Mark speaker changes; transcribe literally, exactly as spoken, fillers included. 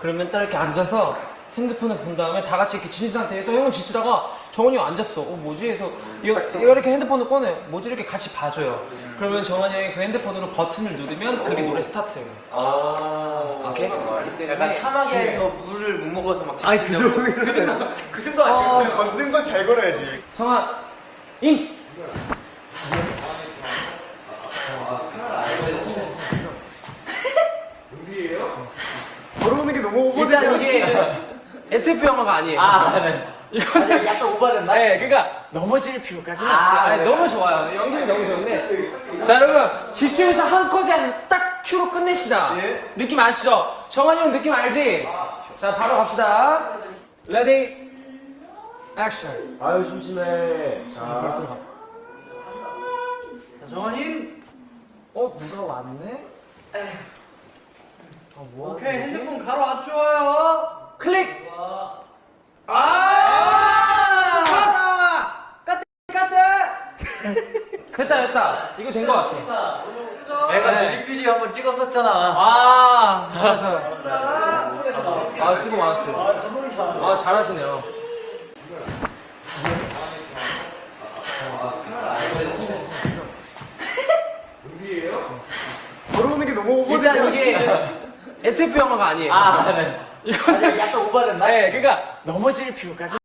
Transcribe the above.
Speaker 1: 그러면 딱 이렇게 앉아서 핸드폰을 본 다음에 다 같이 이렇게 지친 상태에서 형은 지치다가 정원이 형 앉았어. 어 뭐지? 해서 얘가, 얘가 이렇게 핸드폰을 꺼내. 뭐지? 이렇게 같이 봐줘요. 그러면 정원이 형이 그 핸드폰으로 버튼을 누르면 그게 노래 스타트예요.
Speaker 2: 아,
Speaker 1: 오케이?
Speaker 2: 약간 사막에서 물을 못 먹어서 막
Speaker 3: 아니 그
Speaker 2: 지친다고.
Speaker 3: 정도 그 정도
Speaker 2: 그 정도 아니에요?
Speaker 3: 걷는 건 잘 걸어야지.
Speaker 1: 성아, 임!
Speaker 3: 걸어오는 게 너무
Speaker 1: 일단
Speaker 3: 오버되잖아.
Speaker 1: 이게 에스에프 영화가 아니에요.
Speaker 2: 아, 네. 이거는 약간 오버됐나?
Speaker 1: 네, 그러니까 넘어질 필요까지는
Speaker 2: 아,
Speaker 1: 없어요. 아니,
Speaker 2: 네.
Speaker 1: 너무 좋아요. 연기는 너무 좋은데. 자, 여러분 집중해서 한 컷에 딱 큐로 끝냅시다.
Speaker 3: 예.
Speaker 1: 느낌 아시죠? 정한이 형 느낌 알지? 자, 바로 갑시다. 레디, 액션.
Speaker 3: 아유 심심해. 자,
Speaker 1: 들어가.
Speaker 2: 자, 정원님.
Speaker 1: 어, 누가 왔네? 아, 뭐
Speaker 4: 오케이
Speaker 1: 하는 거지?
Speaker 4: 핸드폰 가로 아주 좋아요.
Speaker 1: 클릭.
Speaker 4: 아! 까딱 까딱.
Speaker 1: 됐다, 됐다. 이거 된 거 같아.
Speaker 2: 내가
Speaker 1: 네.
Speaker 2: 뮤직비디오 한번 찍었었잖아.
Speaker 1: 아, 잘하죠. 아, 수고 많았어요. 아, 잘하시네요.
Speaker 3: 걸어오는 게 너무
Speaker 1: 일단
Speaker 3: 오버되잖아.
Speaker 1: 이게 에스에프 영화가 아니에요.
Speaker 2: 아, 네.
Speaker 1: 이거는
Speaker 2: 약간 오버됐나?
Speaker 1: 네, 그러니까 넘어질 필요까지.